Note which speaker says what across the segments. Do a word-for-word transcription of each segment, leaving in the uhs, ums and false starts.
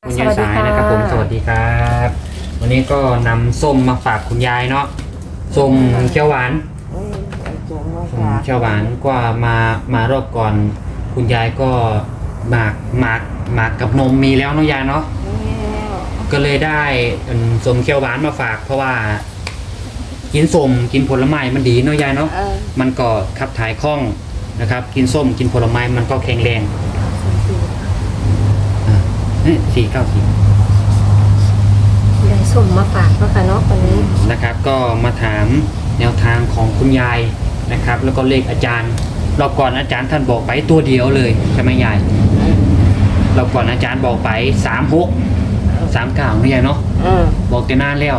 Speaker 1: คุณยายสายนะครับผมสวัสดีครับวันนี้ก็นำส้มมาฝากคุณยายเนาะส้มเขียวหวานส้มเขียวหวานกว่ามามารอบก่อนคุณยายก็หมากหมากหมากกับนมมีแล้วเนาะยายเนาะก็เลยได้ส้มเขียวหวานมาฝากเพราะว่ากินส้มกินผลไม้มันดีเนาะยายเนาะมันก็ขับถ่ายคล่องนะครับกินส้มกินผลไม้มันก็แข็งแรงสี่เก้าสี่
Speaker 2: ได้ส่งมาฝากเนาะค่ะเนาะวันนี้
Speaker 1: นะครับก็มาถามแนวทางของคุณยายนะครับแล้วก็เลขอาจารย์รอบก่อนอาจารย์ท่านบอกไปตัวเดียวเลยใช่ไหมยายรอบก่อนอาจารย์บอกไปสามหกสามเก้าไม่ใช่เนาะบอกแต่นานแล้ว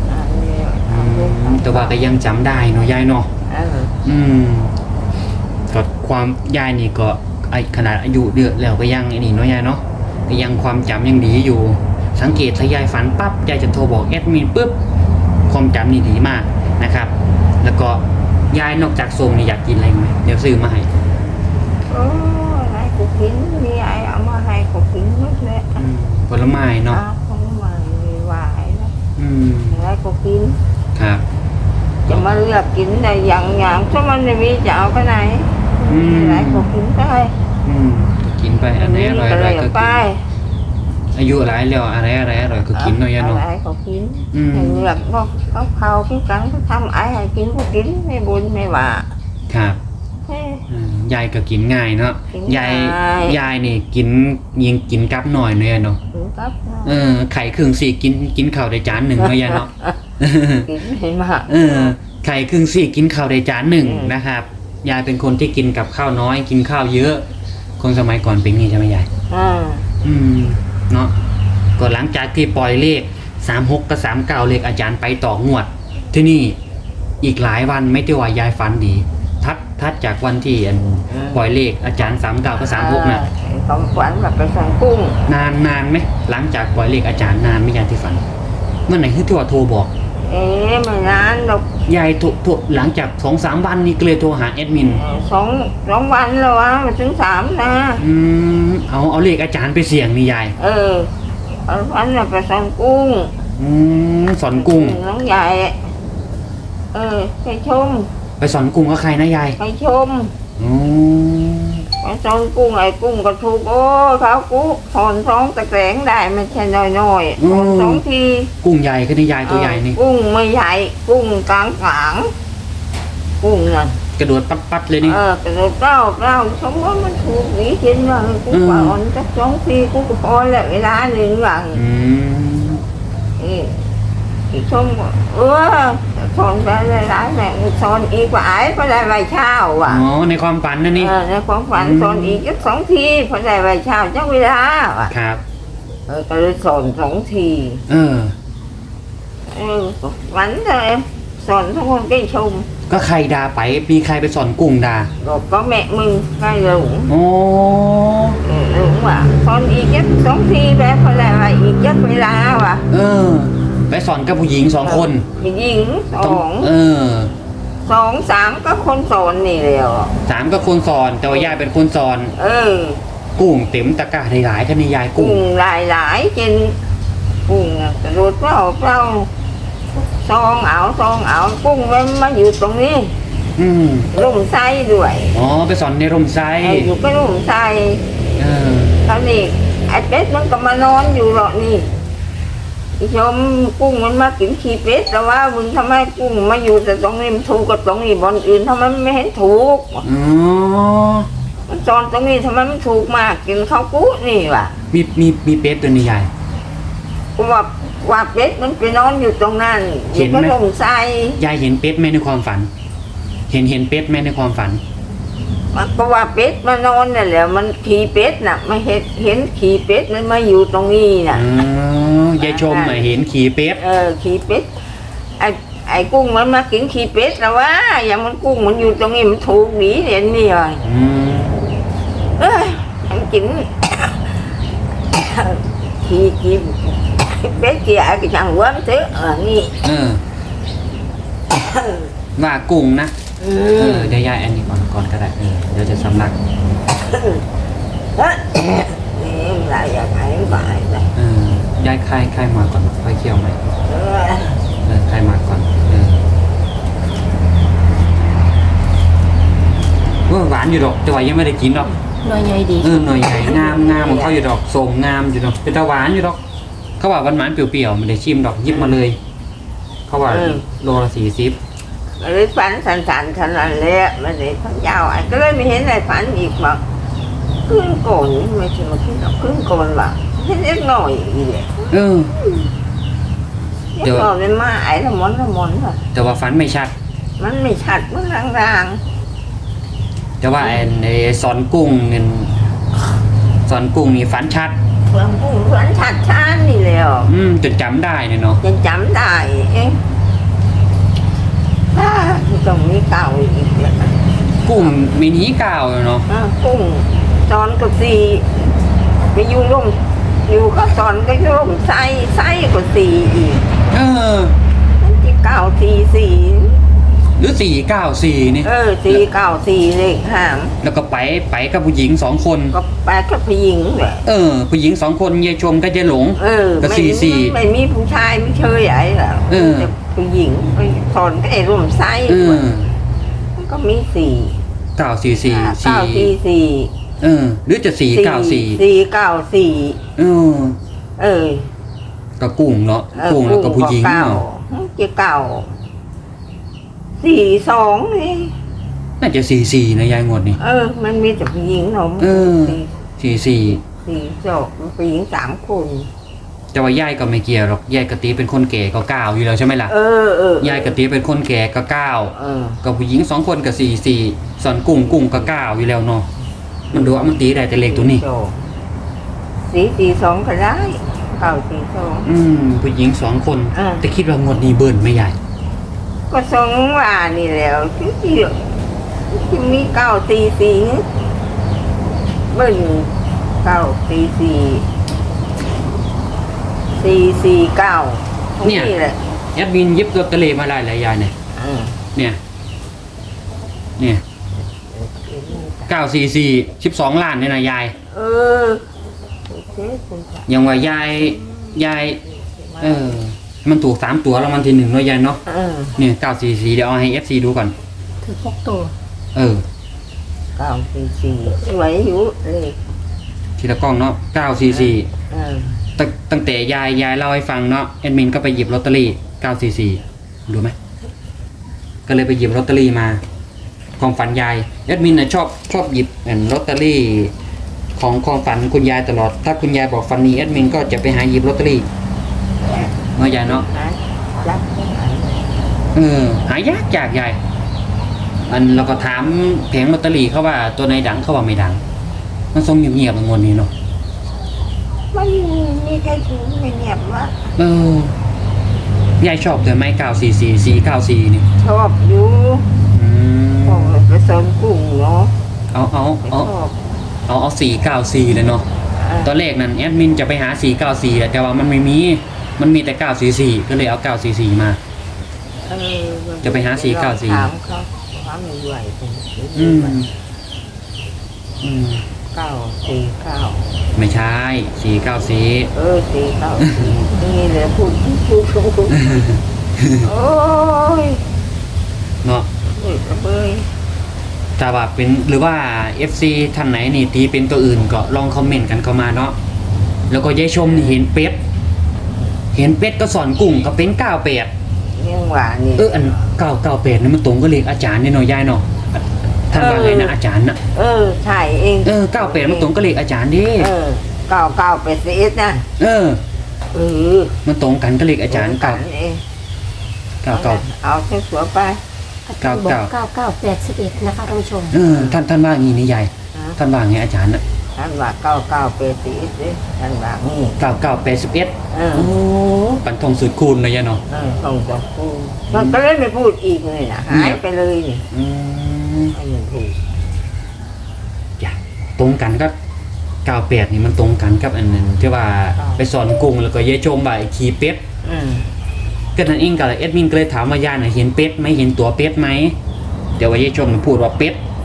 Speaker 1: แต่ว่าก็ยังจำได้เนาะยายเนาะอืมก็ความยายนี่ก็ไอขนาดอายุเดือดแล้วก็ยังไอ้นี่เนาะยายเนาะก็ยังความจำยังดีอยู่สังเกตถ้ายายฝันปั๊บยายจะโทรบอกแอดมินปุ๊บความจำนี่ดีมากนะครับแล้วก็ยายนอกจากส่งนี่อยากกินอะไรไหมเดี๋ยวซื้อมาให้
Speaker 2: โอ้ให้กูกินมีไอ้เอามาให้กูกินหมดเลย
Speaker 1: ผลไม้เนาะ
Speaker 2: ผลไม้หวานนะ
Speaker 1: อืม
Speaker 2: ให้กูกิน
Speaker 1: ครับ
Speaker 2: จะมาเลือกกินได้อย่างอย่างถ้ามันไม่มีจะเอาไปไหนให้กูกินได้
Speaker 1: อืมกินไปอันไหนอร่อยอะไรก็กินอายุอะไรแล้วอะไรอะไรอร่อยก็กินเนาะยายเนาะ
Speaker 2: อะไรก็กินให้เลือกก็เขาเขากินกันเขาทำไอ้ให้กินก็กินไม่บุญไม่ว่า
Speaker 1: ครับยายก็กินง่ายเนาะยายยายนี่กินยิงกินกับหน่อยเนาะเนาะเออไข่ครึ่งสี่กินกินข้าวได้จานหนึ่งเนาะยายเนาะ
Speaker 2: กินไม่มาก
Speaker 1: เออไข่ครึ่งสี่กินข้าวได้จานหนึ่งนะครับยายเป็นคนที่กินกับข้าวน้อยกินข้าวเยอะคนสมัยก่อนเป็นงี้ใช่ไหมยาย
Speaker 2: อ่า
Speaker 1: อืมเนาะก็หลังจากที่ปล่อยเลขสามหกกับสามเก้าเลขอาจารย์ไปต่องวดที่นี่อีกหลายวันไม่ได้ว่ายายฝันดีทัดทัดจากวันที่ปล่อยเลขอาจารย์สามเก้ากับสามหกนะ
Speaker 2: ต้องฝันแบบไปสั่งกุ้ง
Speaker 1: นานนานไหมหลังจากปล่อยเลขอาจารย์นานไหมยายที่ฝันเมื่อไหร่ที่ตัวโทรบอก
Speaker 2: เอ๊ะไม่นานหรอก
Speaker 1: ยายโทรโทรหลังจากสองสามวันนี้ก็เลยโทรหาแอดมิน
Speaker 2: สองสองวันแล้ววะมาถึงสามนะ
Speaker 1: อืมเอาเอาเลขอาจารย์ไปเสี่ยงนี่ยาย
Speaker 2: เออเอาฝันแบบไปสั่งกุ้ง
Speaker 1: อืมสอนกุ้ง
Speaker 2: น้องใหญ่เออไปชม
Speaker 1: ไปสอนกุ้งกับใครนะยาย
Speaker 2: ไปชม
Speaker 1: อืม
Speaker 2: ไปสอนกุ้งไอ้กุ้งก็ถูกโอ้เขากุ้งสอนสองตะแกรงได้ไม่ใช่น้อยๆสอนสองที
Speaker 1: กุ้งใหญ่ก็นี่ยายตัวใหญ่นี่
Speaker 2: กุ้งไม่ใหญ่กุ้งกลางกลางกุ้งนั่น
Speaker 1: กระโดดปัดปัดเลยนี่
Speaker 2: เออกระโดดเต้าเต้าสมมติมันถูกหนีกินว่ากุ้งอ่อนสักสองทีกุ้งก็พอแล้วเวลาหนึ่งวัน
Speaker 1: อืม
Speaker 2: นี่ที่ชมเออสอนไปหลายแม่สอนอีกว่าไอ้พอได้ใบเช้าว่ะ
Speaker 1: อ๋อในความฝันนั่นนี่
Speaker 2: ในความฝันสอนอีกสักสองทีพอได้ใบเช้าจังเวลาว่ะ
Speaker 1: ครับ
Speaker 2: เออก็เลยสอนสองที
Speaker 1: เออ
Speaker 2: เออฝันเลยสอนทุกคนก็ชม
Speaker 1: ก็ใครด่าไปมีใครไปสอนกุ้งด่า
Speaker 2: ก็แม่มึงใครหลง
Speaker 1: โอ้
Speaker 2: หลงว่ะสอนอีกสักสองทีแบบพอได้ใบอีกจังเวลาว่ะ
Speaker 1: เออไปสอนกับผู้หญิงสองคน
Speaker 2: ผู้หญิงสอง
Speaker 1: เออ
Speaker 2: สองสามก็คนสอนนี่เลยอ่ะ
Speaker 1: สามก็คนสอนแต่ว่ายายเป็นคนสอน
Speaker 2: เออ
Speaker 1: กุ้งเต็มตะกร้าหลายๆกันนี่ยาย
Speaker 2: กุ้งหลายหลายจนกุ้งกระโดดเปล่าเปล่าซองเอาซองเอากุ้งมันมาอยู่ตรงนี้
Speaker 1: อืม
Speaker 2: ร่มไส้ด้วย
Speaker 1: อ๋อไปสอนในร่มไส้
Speaker 2: อยู่ก็ร่มไส้
Speaker 1: เออ
Speaker 2: ตอนนี้ไอ้เป็ดมันก็มานอนอยู่หรอกนี่อีชมกุ้งมันมากินขี้เป็ดแต่ว่ามึงทำไมกุ้งมาอยู่แต่ตรงนี้มันถูกกับตรงนี้บนอื่นทำไมไม่เห็นถูก
Speaker 1: อ๋อ
Speaker 2: มันจอนตรงนี้ทำไมมันถูกมากกินข้าวกุ้นี่ว่ะ
Speaker 1: มีมีมีเป็ดตัวนี้ใหญ่
Speaker 2: กูว่าว่าเป็ดมันไปนอนอยู่ตรงนั้น
Speaker 1: เห็นไหม
Speaker 2: ลงใส่
Speaker 1: ยายเห็นเป็ดไหมในความฝันเห็นเห็นเป็ดไหมในความฝัน
Speaker 2: มันก็ว่าเป็ดมานอนนั่นแหละมันขี่เป็ดน่ะไม่เห็นเห็นขี่เป็ดมันมาอยู่ตรงนี้น่ะ
Speaker 1: อ๋อยายชมมาเห็นขี่เป็ด
Speaker 2: เออขี่เป็ดไอ้ไอ้กุ้งมันมากินขี่เป็ดแล้วว่าอย่างมันกุ้งมันอยู่ตรงนี้มันถูกหนีเห็นนี่เลยเออมันกินขี่ขี่เป็ดกี่ไอ้ก็ช่างว่ามันเถอะเออนี่
Speaker 1: เออว่ากุ้งนะเออเดี๋ยวยายอันนี้ก่อนก่อนก็ได้เออเดี๋ยวจะสำลัก
Speaker 2: นี่หลายอย่างไหนบ่ายเลย
Speaker 1: เออยายคายคายมาก่อนค่อยเคี่ยวไหม
Speaker 2: เออ
Speaker 1: เออคายมาก่อนเออว่าหวานอยู่ดอกแต่ว่ายังไม่ได้กินหรอก
Speaker 3: หน่วยใหญ่ดี
Speaker 1: เออหน่อยใหญ่งามงามของเขาอยู่ดอกสมงามอยู่ดอกเป็นตะหวานอยู่ดอกเขาว่าหวานหวานๆเปรี้ยวๆไม่ได้ชิมดอกหยิบมาเลย เขาว่าโลละสี่สิบ
Speaker 2: เลยฝันสันสันขนาดเละมันเลยพักยาวไอ้ก็เลยไม่เห็นอะไรฝันอีกมาขึ้นโกนไม่ใช่มาขึ้นหรอกขึ้นโกนว่ะเห็นเล็กหน่อยอีกเลย
Speaker 1: เออ
Speaker 2: เล็กหน่อยเป็นมาไอ้ละมอนละมอนว่ะ
Speaker 1: แต่ว่าฟันไม่ชัด
Speaker 2: มันไม่ชัดมันราง
Speaker 1: แต่ว่าไอ้ไอ้สอนกุ้งเงินสอนกุ้งนี่ฟันชัด
Speaker 2: ๆเพื่อนผู้เพื่อนชัดชานนี่แล้ว
Speaker 1: อืมจนจำได้เนี่ยเนาะ
Speaker 2: จะจำได้เองถ้าตรงนี้เก่าอีกแล้วนะ
Speaker 1: กุ้งมินิเก่าเนาะ
Speaker 2: อ่ะกุ้งตอนก็สีไปอยู่ร่มอยู่ก็ตอนก็อยู่ร่มไส้ไส้ก็สีอีก
Speaker 1: เออ
Speaker 2: นั่นที่เก้าสี่สี่
Speaker 1: หรือสี่เก้าสี่นี่
Speaker 2: เออสี่เก้าสี่เลขห้าม
Speaker 1: แล้วก็ไปไปกับผู้หญิงสองคน
Speaker 2: ก็ไปกับผู้หญิงแหละ
Speaker 1: เออ ผู้หญิงสองคนยายชมกับยายหลง
Speaker 2: เออ
Speaker 1: ก็
Speaker 2: ไม่
Speaker 1: สี่สี่
Speaker 2: ไม่มีผู้ชายไม่เชยไอ้หรอก
Speaker 1: เออ
Speaker 2: แต่ผู้หญิงไปสอนก็ไอ้ร่มไส้
Speaker 1: เออ
Speaker 2: มันก็มีสี่
Speaker 1: เก้าสี่สี่
Speaker 2: เก้า
Speaker 1: สี่
Speaker 2: สี่สี่
Speaker 1: เออ หรือจะสี่เก้าสี่
Speaker 2: สี่เก้าสี่
Speaker 1: เออ
Speaker 2: เออ
Speaker 1: ก็กุ้งเนาะ
Speaker 2: เออ
Speaker 1: กุ้งแล้วก็ผู้หญิง
Speaker 2: เก้า
Speaker 1: เนาะ
Speaker 2: จะเก่าสี่สองนี่
Speaker 1: น่าจะสี่สี่นะยายงวดนี่
Speaker 2: เออ มันมีแต่ผู้หญิงเนาะ
Speaker 1: เออ
Speaker 2: สี่
Speaker 1: สี่สี่
Speaker 2: สี่สองผู้หญิงสามคน
Speaker 1: แต่ว่ายายก็ไม่เกี่ยวหรอกยายกะตีเป็นคนแก่ก็เก้าอยู่แล้วใช่ไหมล่ะ
Speaker 2: เออเออย
Speaker 1: ายกะตีเป็นคนแก่ก็เก้า
Speaker 2: เออ
Speaker 1: กับผู้หญิงสองคนกับสี่สี่สอนกุ้งกุ้งก็เก้าอยู่แล้วเนาะมันดูว่ามันตีได้แต่เลขตัวนี้
Speaker 2: สี่สี่สองก็ได้เก้าสี่สอง
Speaker 1: อืมผู้หญิงสองคน
Speaker 2: อ่า
Speaker 1: แต่คิดว่างวดนี้เบิร์นไม่ใหญ่
Speaker 2: ก็สองว่านี่แล้วที่ที่ที่มีเก้าสี่สี่เบิ้ลเก้าสี่สี่สี่สี่เก้าตรงนี่แหละ
Speaker 1: แอดมินยิบลอตเตอรี่มาได้หลายยายเนี่ย
Speaker 2: เออ
Speaker 1: เนี่ยเนี่ยเก้าสี่สี่สิบสองล้านเนี่ยนะยาย
Speaker 2: เออโอเคคุณค่ะ
Speaker 1: ยังว่ายายยายเออ มันถูกสามตัวแล้วมันทีหนึ่งเนาะยายเนาะ
Speaker 2: เออ
Speaker 1: เนี่ยเก้าสี่สี่เดี๋ยวเอาให้เอฟซีดูก่อน
Speaker 3: ถือพกตัว
Speaker 1: เออ
Speaker 2: เก้าสี่สี่สวยอยู่เลข
Speaker 1: ทีละกล้องเนาะเก้าสี่สี่
Speaker 2: เออ
Speaker 1: ตั้งตั้งแต่ยายยายเล่าให้ฟังเนาะแอดมินก็ไปหยิบลอตเตอรี่เก้าสี่สี่ดูไหมก็เลยไปหยิบลอตเตอรี่มาความฝันยายแอดมินนะชอบชอบหยิบอันลอตเตอรี่ของความฝันคุณยายตลอด ถ้าคุณยายบอกฝันนี้แอดมินก็จะไปหาหยิบลอตเตอรี่เนาะยายเนาะ
Speaker 2: หาจับไม่หาย
Speaker 1: เออหายากจากยายอันเราก็ถามแผงลอตเตอรี่เขาว่าตัวไหนดังเขาว่าไม่ดังมันทรงเงียบๆงวดนี้เนาะ
Speaker 2: มันมีใครถึงไม่เงียบวะ
Speaker 1: เออยายชอบแต่ไม้เก้าสี่สี่สี่เก้าสี่นี่
Speaker 2: ชอบอยู่
Speaker 1: อืม
Speaker 2: ของไปเสริมกุ้งเนาะ
Speaker 1: เอาเอา
Speaker 2: ช
Speaker 1: เอา
Speaker 2: อบ
Speaker 1: เอาเอาสี่เก้าสี่เลยเนาะ
Speaker 2: เออ
Speaker 1: ตอนแรกนั้นแอดมินจะไปหาสี่เก้าสี่แต่ว่ามันไม่มี มันมีแต่เก้าสี่สี่ก็เลยเอาเก้าสี่สี่มา
Speaker 2: เออ
Speaker 1: จะไปหาสี่เก้าสี่
Speaker 2: ถามเขาถามไม่ไหวเป็น
Speaker 1: อืมอืม
Speaker 2: เก้าสี่เก้า
Speaker 1: ไม่ใช่สี่เก้าสี่
Speaker 2: เออสี่เก้าสี่นี่แหละพูดพูดพูดพูดโอ้ย
Speaker 1: เนาะ
Speaker 2: เฮ้ยกระเบย
Speaker 1: ถ้าว่าเป็นหรือว่า เอฟ ซี ท่านไหนนี่ตีเป็นตัวอื่นก็ลองคอมเมนต์กันเข้ามาเนาะแล้วก็ยายชมนี่เห็นเป็ดเห็นเป็ดก็สอนกุ้งก็เป็นเก้าแปด
Speaker 2: ยังหวานนี่
Speaker 1: เอออันเก้าเก้าแปดนี่มันตรงก็เลขอาจารย์นี่เนาะยายเนาะท่านว่าไงนะอาจารย์น่ะ
Speaker 2: เออใช่เอง
Speaker 1: เออเก้าแปดมันตรงก็เลขอาจารย์ดิ
Speaker 2: เออเก้าเก้าเป็ดสิบนะ
Speaker 1: เออ
Speaker 2: เออ
Speaker 1: มันตรงกันก็เลขอาจารย์
Speaker 2: กั
Speaker 1: เก้าน
Speaker 2: เอง
Speaker 1: เก้าเก้า
Speaker 2: เอาเส้นสวยไป
Speaker 3: อาจารย์บอก
Speaker 1: เก้า
Speaker 3: เก้าเก้าแปดสิบเอ็ดนะคะท่านผู้ชม
Speaker 1: เออท่านท่านว่างี้นี่ยาย
Speaker 2: ฮะ
Speaker 1: ท่านว่าไงอาจารย์น่ะ
Speaker 2: ท่านว่าเก้าเก้าเป็ดสิบสิท่านว่านี่
Speaker 1: เก้าเก้าแปดสิบเอ็ด
Speaker 2: เออ
Speaker 1: โอ้ปันทองสุดคูณเลยยายเนาะ
Speaker 2: เออส่งจากพูดมันก็เลยไม่พูดอีกเลยนะหายไปเลยนี่
Speaker 1: อืม
Speaker 2: ไม่ยังพูด
Speaker 1: จ้ะตรงกันก็เก้าแปดนี่มันตรงกันกับอันนั้นที่ว่าไปสอนกุ้งแล้วก็ยายชมว่าไอ้ขี่เป็ด
Speaker 2: อืม
Speaker 1: ก็นั่นเองก็เลยเอ็ดมินก็เลยถามว่ายายน่ะเห็นเป็ดไหมเห็นตัวเป็ดไหมเดี๋ยวว่ายายชมน่ะพูดว่าเป็ด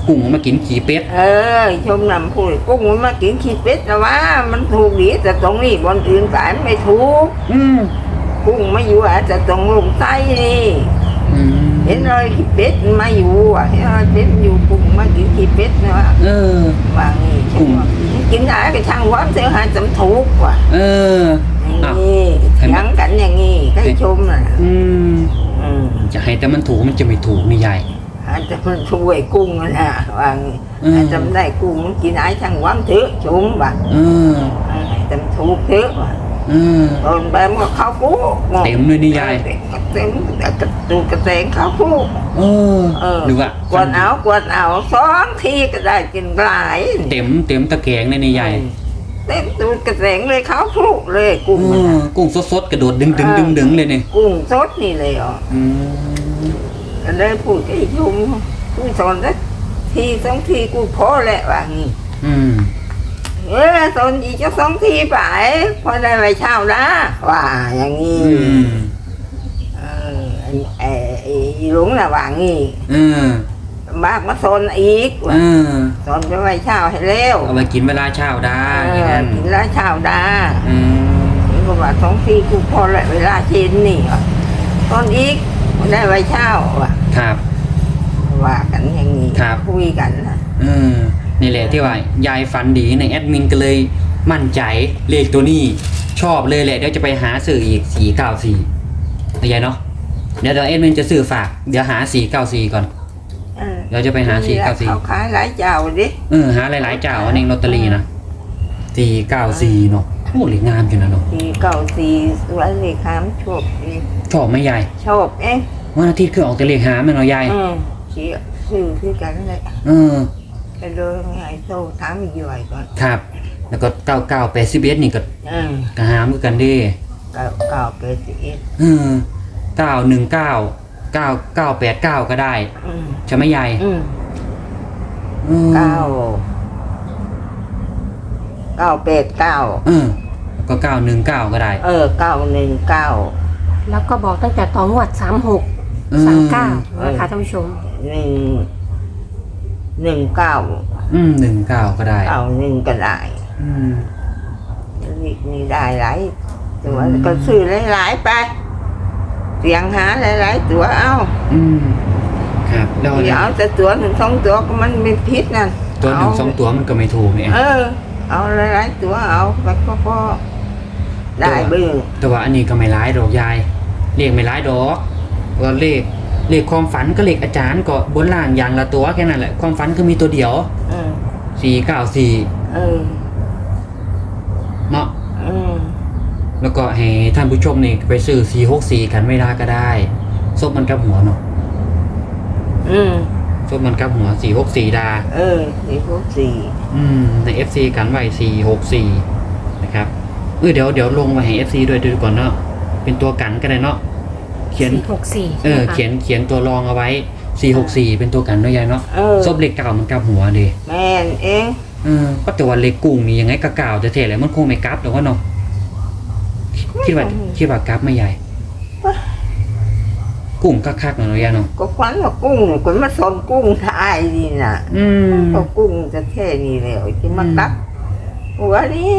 Speaker 1: กุ้งมากินขี้เป็ด
Speaker 2: เออชมนำพูดกุ้งมันมากินขี้เป็ดแต่ว่ามันถูกดีแต่ตรงนี้บนอื่นสายไม่ถูก
Speaker 1: อืม
Speaker 2: กุ้งมาอยู่อาจจะตรงลงใต้นี่
Speaker 1: อืม
Speaker 2: เห็นรอยขี้เป็ดมันมาอยู่อ่ะเห็นรอยเป็ดอยู่กุ้งมากินขี้เป็ดนะว่า
Speaker 1: เออ
Speaker 2: ว่างี้ใช่ไหมกินได้ก็ช่างว่าเสียหายจำถูกว่ะ
Speaker 1: เออ
Speaker 2: อย่างนี้เถียงกันอย่างนี้ก็ให้ชมน่ะ
Speaker 1: อืม
Speaker 2: อืม
Speaker 1: จะให้แต่มันถูกมันจะไม่ถูกนี่ยาย
Speaker 2: อาจจะมันช่วยกุ้งนะว่างี้
Speaker 1: อืม
Speaker 2: อาจจะไม่ได้กุ้งมันกินได้ช่างว่าเถอะชมว่ะ
Speaker 1: เออ
Speaker 2: จำถูกเถอะว่ะ
Speaker 1: เออ
Speaker 2: ตอนไปมันก็เข้าปุ๊ก
Speaker 1: เต็มเลยนี่ยาย
Speaker 2: เต็มแต่กระตูกระแตงเข้าปุ๊ก
Speaker 1: เออ
Speaker 2: เออ
Speaker 1: หรือว่าก
Speaker 2: วดเอากวดเอาสองทีก็ได้กินหลาย
Speaker 1: เต็มเต็มตะแกรงเลยนี่ยาย
Speaker 2: เต็มตูดกระแตงเลยเข้าปุ๊กเลยกุ้ง
Speaker 1: เอ
Speaker 2: มัน
Speaker 1: อ
Speaker 2: น่ะ
Speaker 1: กุ้งสดๆกระโดดดึงดึงดึงดึงเลยเนี่ย
Speaker 2: กุ้งสดนี่เลยอ่ะ
Speaker 1: อืม
Speaker 2: ก็เลยพูดกับไอ้ชุมกูสอนสักทีสองทีกูพอแหละว่างี้
Speaker 1: อืม
Speaker 2: เออสอนอีกจะสองทีไปพอได้ไปเช่านะว่าอย่างนี้
Speaker 1: อืม
Speaker 2: เออไอ้ไอ้ไอ้หลวงน่ะว่างี้
Speaker 1: เออ
Speaker 2: มากมาสอนอีก
Speaker 1: เอ
Speaker 2: ว่า
Speaker 1: อ
Speaker 2: สอนไปไปเช่าให้เร็ว
Speaker 1: เอาไปกินเวลาเช้าได้
Speaker 2: เอ
Speaker 1: อย่าง
Speaker 2: อ
Speaker 1: นั้น
Speaker 2: กินแล้วเช่าได้
Speaker 1: อืม
Speaker 2: นี่ก็ว่าสองทีกูพอแหละเวลาเย็นนี่ว่ะตอนอีกได้ไปเช่าว่ะ
Speaker 1: ครับ
Speaker 2: ว่ากันอย่างนี้
Speaker 1: ครับ
Speaker 2: คุยกันนะ
Speaker 1: เออนี่แหละที่ว่ายายฝันดีในแอดมินก็เลยมั่นใจเลขตัวนี้ชอบเลยแหละเดี๋ยวจะไปหาสื่ออีกสี่เก้าสี่เข้าใจเนาะเดี๋ยวเดี๋ยวแอดมินจะสื่อฝากเดี๋ยวหาสี่เก้าสี่ก่อน
Speaker 2: เออ
Speaker 1: เดี๋ยวจะไปหาสี่เก้าสี่
Speaker 2: เขาขายหลายเจ้าดิ
Speaker 1: เออหาหลายๆเจ้าอันเองลอตเตอรี่นะสี่เก้าสี่เนาะโอ้เหลืองามจังนะเนาะ
Speaker 2: สี่เก้าสี่สวยเลยครับชอบดี
Speaker 1: ชอบไหมยาย
Speaker 2: ชอบเอ๊ะ
Speaker 1: วันอาทิตย์คือออกแต่เลขหาไหมเนาะยาย
Speaker 2: อืมเสียซื้อคือกันเลย
Speaker 1: เออ
Speaker 2: ไปเดินไงโซ่ถามอีกย่อยก่อน
Speaker 1: ครับ แล้วก็เก้าเก้าแปดสิบเอ็ดนี่ก็
Speaker 2: อืม
Speaker 1: กระหามคือกันเดิ
Speaker 2: เก้าเก้าเปดสิบเอ็ด
Speaker 1: เออเก้าหนึ่งเก้าเก้าเก้าแปดเก้าก็ได้
Speaker 2: อืม
Speaker 1: ใช่ไหมยาย
Speaker 2: อืม
Speaker 1: อืม
Speaker 2: เก้าเก้าแปดเก้า
Speaker 1: เออแล้วก็เก้าหนึ่งเก้าก็ได้
Speaker 2: เออเก้าหนึ่งเก้า
Speaker 3: แล้วก็บอกตั้งแต่ตอนงวดสามหก
Speaker 1: อืม
Speaker 3: สามเก้านะคะท่านผู้ชม
Speaker 2: หนึ่งหนึ่งเก้า
Speaker 1: อืมหนึ่งเก้าก็ได้
Speaker 2: เก้าหนึ่งก็ได้
Speaker 1: อืม
Speaker 2: นี่นี่ได้หลายตัวก็ซื้อหลายๆไปเสียงหาหลายๆตัวเอา
Speaker 1: อืมครับแล้ว
Speaker 2: เดี๋ยวเอาแต่ตัวหนึ่งสองตัวก็มันไม่พิษนั่น
Speaker 1: ตัวหนึ่งสองตัวมันก็ไม่ถูกเนี่ย
Speaker 2: เออ เอาหลายๆตัวเอาไปก็พอได้เบื้อง
Speaker 1: แต่ว่าอันนี้ก็ไม่ร้ายดอกยายเลขไม่ร้ายดอกก็เลขเลขความฝันก็เลขอาจารย์ก็บนล่างอย่างละตัวแค่นั้นแหละความฝันคือมีตัวเดียว
Speaker 2: เออ
Speaker 1: สี่เก้าสี่
Speaker 2: เออ
Speaker 1: เนาะ
Speaker 2: เออ
Speaker 1: แล้วก็ให้ท่านผู้ชมนี่ไปซื้อสี่หกสี่กันไม่ได้ก็ได้ซบมันกับหัวเนาะ
Speaker 2: อืม
Speaker 1: ซบมันกับหัวสี่หกสี่ดา
Speaker 2: เออสี่พวกสี่
Speaker 1: อืมใน เอฟ ซี กันไว้สี่หกสี่นะครับเออเดี๋ยวเดี๋ยวลงมาให้ เอฟ ซี ด้วยดูก่อนเนาะเป็นตัวกันก็ได้เนาะเขียน
Speaker 3: สี่หกสี่
Speaker 1: เออเขียนเขียนตัวรองเอาไว้สี่หกสี่เป็นตัวกันด้วยยายเนาะ
Speaker 2: เออ
Speaker 1: ซบเล็กเก่ามันกับหัวดิ
Speaker 2: แม่นเอง
Speaker 1: เออก็แต่ว่าเล็กกุ้งนี่ยังไงก็เก่าจะเท่แหละมันคงไม่กลับหรอกว่าเนาะคิดว่าคิดว่ากลับไหม่ใหญ่ กุ้งคักๆเนาะยายเนาะ
Speaker 2: ก็ควันว่ากุ้งเนี่ยคนมาสอนกุ้งทายดีน่ะ
Speaker 1: อืม
Speaker 2: ก็กุ้งจะแค่นี้แล้วที่มาตักหัวนี่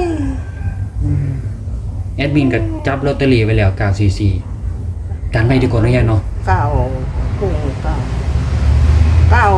Speaker 1: แอดมินก็จับลอตเตอรี่ไว้แล้วเก้าสี่สี่การไปดีกว่าเนาะยายเนาะ
Speaker 2: เก้ากุ้งเก้าเก้า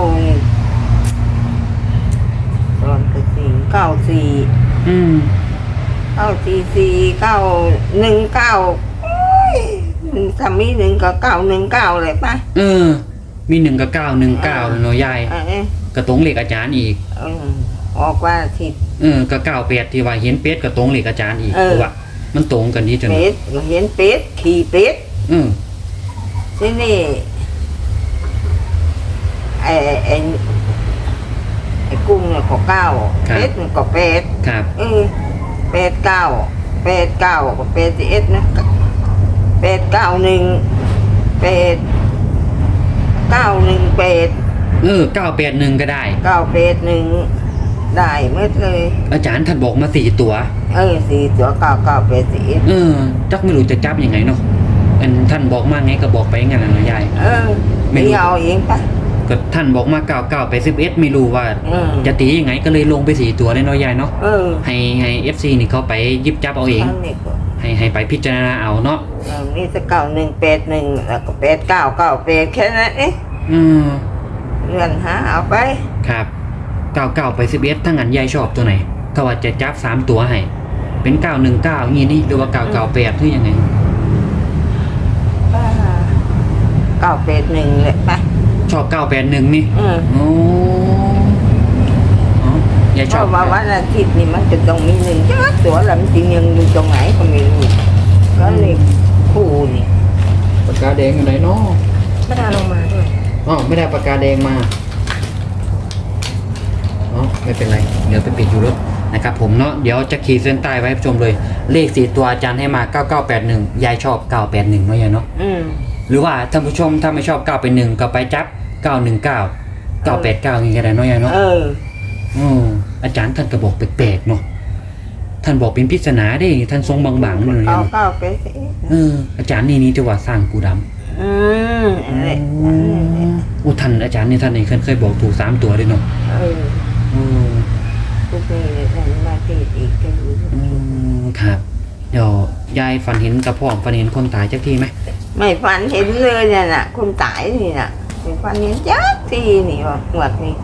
Speaker 2: ตอนก็สี่เก้าสี่
Speaker 1: อืม
Speaker 2: เก้าสี่สี่เก้าหนึ่งเก้าโอ้ยหนึ่งสามีหนึ่งก็เก้าหนึ่งเก้าเลยป่ะ
Speaker 1: เออ มีหนึ่งกับเก้าหนึ่งเก้าเนาะยาย
Speaker 2: เออ
Speaker 1: กระตรงเหล็กอาจารย์อีก
Speaker 2: เออออกว่าทิศ
Speaker 1: เออกับเก้าเป็ดที่ว่าเห็นเป็ดกระตรงเหล็กอาจารย์อีก
Speaker 2: เออ
Speaker 1: เพราะว่ามันตรงกันดีจน
Speaker 2: เป็ดก็เห็นเป็ดขี่เป็ด
Speaker 1: อืม
Speaker 2: ที่นี่ไอ้ไอ้ไอ้กุ้งเนี่ยก็เก้าเป็ดมันก็เป็ด
Speaker 1: ครับ
Speaker 2: เออเป็ดเก้าเป็ดเก้าก็เป็ดเอ็ดนะเป็ดเก้าหนึ่งเป็ดเก้าหนึ่งเป็ด
Speaker 1: เออเก้าเป็ดหนึ่งก็ได้
Speaker 2: เก้าเป็ดหนึ่งได้หมดเลย
Speaker 1: อาจารย์ท่านบอกมาสี่ตัว
Speaker 2: เออสี่ตัวเก้าเก้าเป็ดเอ็ด
Speaker 1: เออจักไม่รู้จะจับยังไงเนาะอันท่านบอกมาไงก็บอกไปงั้นน่ะเนาะยาย
Speaker 2: เออ
Speaker 1: ไม่
Speaker 2: ไม่
Speaker 1: รู้
Speaker 2: เอาเองปะ
Speaker 1: อก็ท่านบอกมาเก้าเก้าไปสิบเอ็ดไม่รู้ว่า
Speaker 2: เออ
Speaker 1: จะตียังไงก็เลยลงไปสี่ตัวเลยเนาะยายเนาะ
Speaker 2: เออ
Speaker 1: ให้ให้เอฟซีนี่เขาไปหยิบจับเอาเอง
Speaker 2: ทั้งนี้ก็
Speaker 1: ให้ให้ไปพิจารณาเอาเนาะ
Speaker 2: เออมีแต่เก้าหนึ่งแปดหนึ่งแล้วก็แปดเก้าเก้าแปดแค่นั้นเอง
Speaker 1: อืม
Speaker 2: เลื่อนหาเอาไป
Speaker 1: ครับเก้าเก้าไปสิบเอ็ดถ้างั้นยายชอบตัวไหนถ้าว่าจะจับสามตัวให้เป็นเก้าหนึ่งเก้างี้นี่หรือว่าเก้าเก้าแปดหรือยังไง
Speaker 2: เก้าแปดหนึ่งเลยไป
Speaker 1: ชอบเก้าแปดหนึ่งนี่
Speaker 2: อืม
Speaker 1: โอ้อ๋อยาย
Speaker 2: เพ
Speaker 1: ชอบ
Speaker 2: ราะว่าวันอาทิตย์นี่มันจะต้องมีหนึ่งจ้าตัวแล้วมันจริงยังอยู่ตรงไหนก็ไม่รู้ก็เลยคู่นี่
Speaker 1: ปากกาแดงอยู่ไหนเนาะ
Speaker 3: ไม่ได้ลงมาด้วย
Speaker 1: อ๋อไม่ได้ปากกาแดงมาอ๋อไม่เป็นไรเดี๋ยวไปปิดอยู่รถนะครับผมเนาะเดี๋ยวจะขีดเส้นใต้ไว้ให้ผู้ชมเลยเลขสี่ตัวอาจารย์ให้มาเก้าเก้าแปดหนึ่งยายชอบเก้าแปดหนึ่งเนาะยายเนาะ
Speaker 2: อืม
Speaker 1: หรือว่าท่านผู้ชมถ้าไม่ชอบเก้าเป็นหนึ่งก็ไปจับเก้าหนึ่งเก้าเก้าแปดเก้าอย่างเงี้ยก็ได้เนาะยายเนาะ
Speaker 2: เออ
Speaker 1: อืออาจารย์ท่านก็บอกแปลกๆเนาะท่านบอกเป็นปริศนาได้ท่านทรงบางๆเลย
Speaker 2: เก้า
Speaker 1: เนาะ
Speaker 2: เก้าไปสิ
Speaker 1: เอออาจารย์นี่นี่จะว่าสร้างกูดำ
Speaker 2: อืมอะไร
Speaker 1: อุท่านอาจารย์นี่ท่านนี่เคยเคยบอกถูกสามตัวด้วยเนาะ
Speaker 2: เออ
Speaker 1: อืม
Speaker 2: ทุกทีเนี่ยมันมาตีอีกก็อยู่
Speaker 1: อืมครับเดี๋ยวยายฝันเห็นกระพ่อมฝันเห็นคนตายจักทีไหม
Speaker 2: ไม่ฝันเห็นเลยเนี่ยน่ะคนตายนี่น่ะไม่ฝันเห็นจักทีนี่ว่าหมดนี่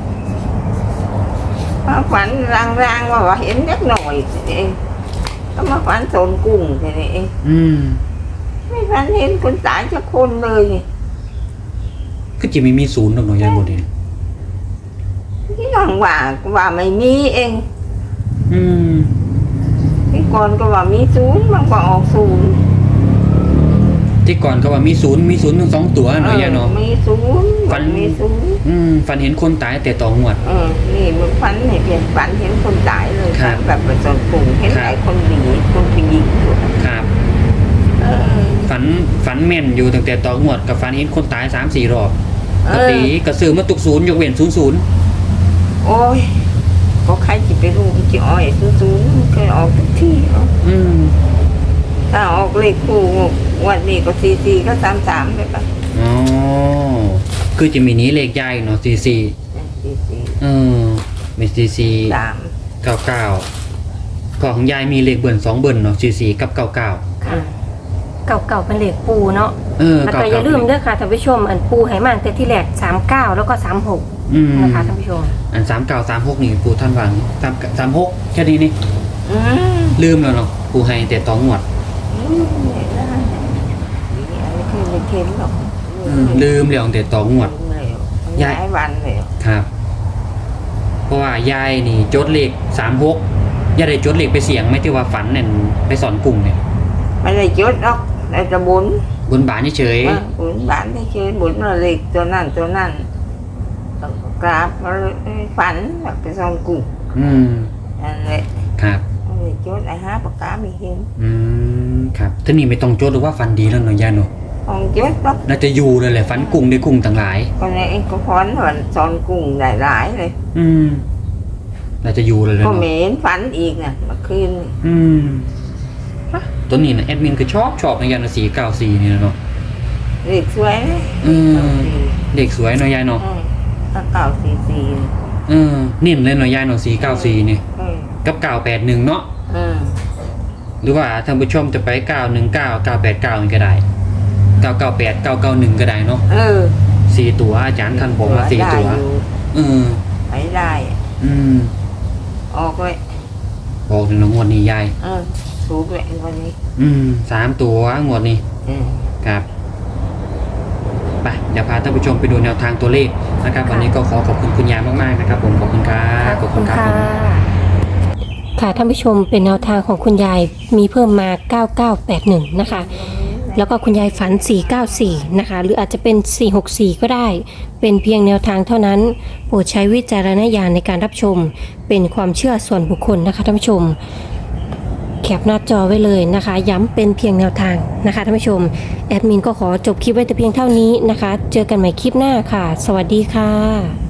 Speaker 2: มาฝันรางๆว่าว่าเห็นเล็กหน่อยทีนี้เองก็มาฝันโซนกุ้งทีนี้เอง
Speaker 1: อืม
Speaker 2: ไม่ฝันเห็นคนตายสักคนเลยนี่
Speaker 1: ก็จะมีมีศูนย์ตรงหน่อยยายหมดเลย
Speaker 2: ที่น้องว่าก็ว่าไม่มีเอง
Speaker 1: อืม
Speaker 2: ที่ก่อนก็ว่ามีศูนย์มันก็ออกศูนย์
Speaker 1: ที่ก่อนก็ว่ามีศูนย์มีศูนย์ทั้งสองตัวเนาะยายเนาะ
Speaker 2: มีศูนย์
Speaker 1: ฝัน
Speaker 2: มีศูนย์
Speaker 1: อืมฝันเห็นคนตายแต่ต่องวด
Speaker 2: เออนี่มันฝันเห็นเปลี่ยนฝันเห็นคนตายเลย
Speaker 1: ครับ
Speaker 2: แบบประสนกลุ่มเห็น
Speaker 1: ครับ
Speaker 2: ไอ้คนหนีคนไปยิงอยู่
Speaker 1: ครับ
Speaker 2: เออ
Speaker 1: ฝันฝันแม่นอยู่ตั้งแต่ต่องวดกับฝันเห็นคนตายสามสี่รอบ
Speaker 2: เอ
Speaker 1: ก็
Speaker 2: อ
Speaker 1: ตีกระสือมาตุกศูนย์ยกเว้นศูนย์ศูนย์
Speaker 2: โอ้ยก็ใครจะไปรู้มันจะอ้อยศูนย์ศูนย์มันเคยออกทุกที่เนาะ
Speaker 1: อืม
Speaker 2: ถ้าออกเลขคู่วันนี้ก็สี่สี่ก็สามสามไปปะ
Speaker 1: อ๋อคือจะมีนี้เลขใหญ่เนาะสี่สี่
Speaker 2: สี่สี่
Speaker 1: เออมีสี่สี่
Speaker 2: สาม
Speaker 1: เก้าเก้าก็ของยายมีเลขเบิ่นสองเบิ่นเนาะสี่สี่กับเก้าเก้า
Speaker 3: ค่ะ เก่าๆเป็นเหล็กปูเนาะ
Speaker 1: เออ
Speaker 3: แล้ว
Speaker 1: เก้า
Speaker 3: ก็อ
Speaker 1: เก้า
Speaker 3: ย่าลืมเด้อค่ะท่านผู้ชมอันปูไหมาตั้งแต่ที่แรกสามเก้าแล้วก็สามหก
Speaker 1: อืม
Speaker 3: นะคะท่านผู้ชม
Speaker 1: อันสามเก้าสามหกนี่ปูท่านวางสามสามหกแค่นี้นี่
Speaker 2: อืม
Speaker 1: ลืมแล้วเนาะปูให้แต่ต่องวด
Speaker 2: อืมเนี่ยได้นี่อะไรเคยไม่เค็มหรอก
Speaker 1: อืมลืมแล้วแต่ต่องวด
Speaker 2: ย้ายวันเลย
Speaker 1: ครับ เพราะว่ายายนี่จดเลขสามหกยายได้จดเลขไปเสียงไหม่ที่ว่าฝันเนี่ยไปสอนกลุ่มเนี่ย
Speaker 2: ไม่ได้จดหรอกได้จะบุญ
Speaker 1: บนบานเฉย
Speaker 2: ว่าบุญบ้านได้เชิญบุญมาเล็กตัวนั่นตัวนั่นแล้วก็กราบมาเลยฝันแบบไปซ่อนกุ้ง
Speaker 1: ๆอืม
Speaker 2: นั่นแหละ
Speaker 1: ครับ
Speaker 2: ไม่ได้จดไอ้ห้าปากกาไม่เห็น
Speaker 1: อืมครับท่านี่ไม่ต้องจดหรือว่าฝันดีแล้วเนาะยายเนาะ
Speaker 2: ของจดหรอก
Speaker 1: น่าจะอยู่เลยแหละฝันกุ้งได้กุ้งต่างหลาย
Speaker 2: คนนี้เองก็ฝันว่าซ่อนกุ้งได้หลายเลย
Speaker 1: อืมน่าจะอยู่เลยเลย
Speaker 2: ก็
Speaker 1: เนาะ
Speaker 2: เหม็นฝันอีกน่ะเมื่อคืนนี่
Speaker 1: อืมตัวนี้นะแอดมินคือชอบชอบในยานสีเก้าสี่นี่นะเนาะ
Speaker 2: เด็กสวยเลย
Speaker 1: อืม
Speaker 2: เก้าสี่
Speaker 1: เด็กสวยเนาะยายเนาะ
Speaker 2: อืมถ้าเก้าสี่สี่
Speaker 1: เออนิ่มเลยเนาะยายเนาะสีเก้าสี่นี่
Speaker 2: เออ
Speaker 1: กับเก้าแปดหนึ่งเนาะ
Speaker 2: อืม
Speaker 1: หรือว่าท่านผู้ชมจะไปเก้าหนึ่งเก้าเก้าแปดเก้าก็ได้เก้าเก้าแปดเก้าเก้าหนึ่งก็ได้เนาะ
Speaker 2: เออ
Speaker 1: สี่ตัวอาจารย์ท่านบอกมาสี่ตัว
Speaker 2: ได้อยู่
Speaker 1: เออ
Speaker 2: ไปได้อะ
Speaker 1: อืม
Speaker 2: ออกเลย
Speaker 1: บอกในงวดนี้ยาย
Speaker 2: เออถูกเลยวันนี้
Speaker 1: อืมสามตัวงวดนี้
Speaker 2: อืม
Speaker 1: ครับไปเดี๋ยวพาท่านผู้ชมไปดูแนวทางตัวเลขนะครับ วันนี้ก็ขอขอบคุณคุณยายมากๆนะครับ ผมขอบคุณครับขอบคุณครับผม
Speaker 3: ค่ะท่านผู้ชมเป็นแนวทางของคุณยายมีเพิ่มมาเก้าเก้าแปดหนึ่งนะคะ แล้วก็คุณยายฝันสี่เก้าสี่นะคะ หรืออาจจะเป็นสี่หกสี่ก็ได้ เป็นเพียงแนวทางเท่านั้นโปรดใช้วิจารณญาณในการรับชม เป็นความเชื่อส่วนบุคคลนะคะท่านผู้ชม แคปหน้าจอไว้เลยนะคะ ย้ำเป็นเพียงแนวทางนะคะท่านผู้ชมแอดมินก็ขอจบคลิปไว้แต่เพียงเท่านี้นะคะ เจอกันใหม่คลิปหน้าค่ะ สวัสดีค่ะ